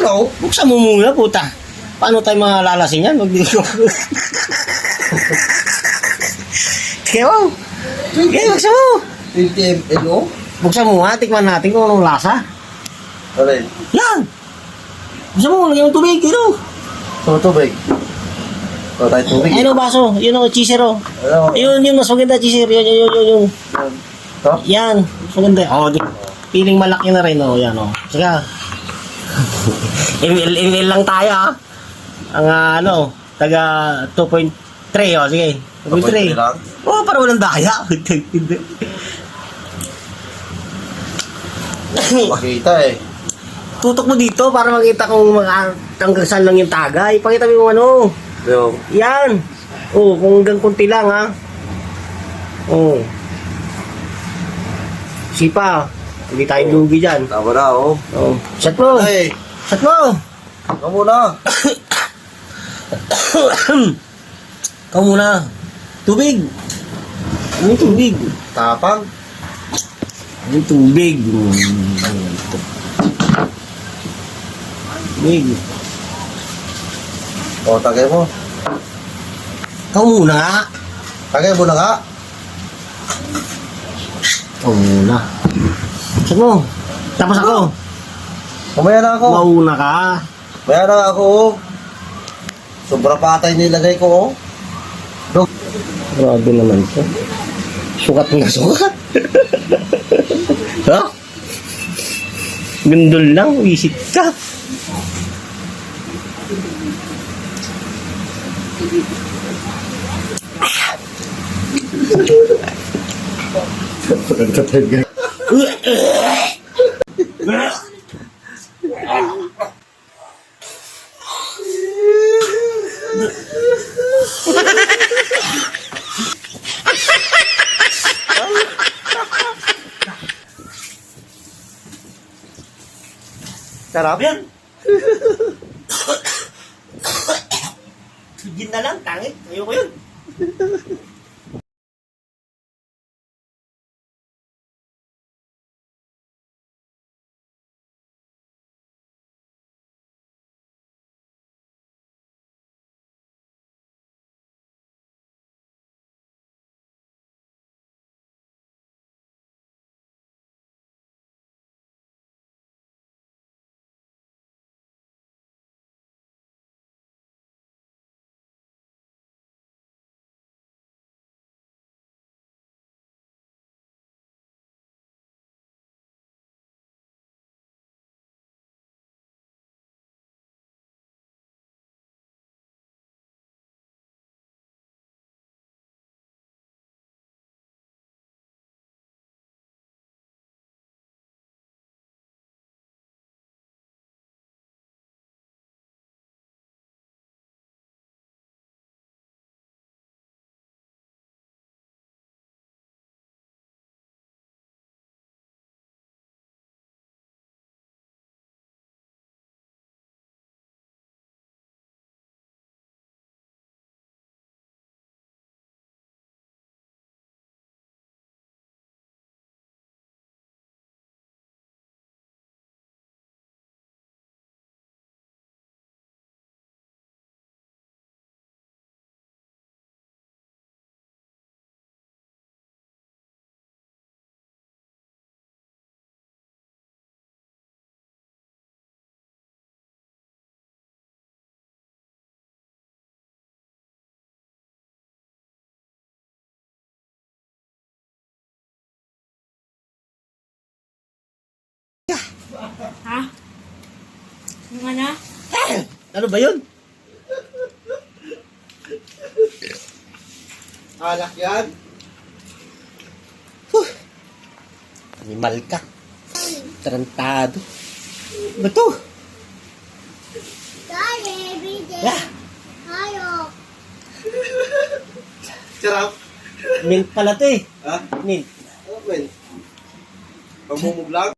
na oh. Buksan mo muna, puta. Paano tayo mga lalasing yan? Magdito. Sige mo. Sige, buksan mo. 20 ml oh. Buksan mo nga, tikman natin kung anong lasa. Alay. Yan! Buksan mo, lagyan mo tubig, yun o. So, tubig. So, tayo tubig. Ayun o, baso. Yun o, cheeser o. Ano? Yun, mas maganda, cheeser. Yun. Ito? Yan, mas maganda. O, piling malaki na rin o. Yan o. Sige. ML lang tayo ha. Ang taga 2.3 o. Sige. 2.3 lang? Oo, para walang daya. Makita eh. Tutok mo dito para makita kung hanggang saan lang yung tagay. Pakita mo yung ano. Yung, Yan. Oh, kung hanggang kunti lang ha. Oh. Sipa. Hindi tayo lugi dyan. tama na oh. Oh. Shot mo. Ay, Shot mo. ikaw muna. Ikaw muna. Tubig. Ano yung tubig? Tapang. Ano yung tubig? Tubig. O, tagay mo. Ikaw muna nga. Tagay mo na nga. Ikaw muna. Shot mo. Tapos ako. Kumaya na ako. Mauna ka. Kumaya na ako oh. Sobra patay nilagay ko oh. Dok. Grabe naman ito. Sukat na sukat. Ha? Gundol lang, wisit ka. Sarap yan. Gin na lang, tangit. Ayoko yun. Ha? Yung ano? Ano ba yun? Alak yan. Animal ka. Tarantado. Ba to? Daddy, everyday. Ah, Hayop. Sarap. mint pala to eh. Ha? Mint. Ano ba yun? Pagmumuglang?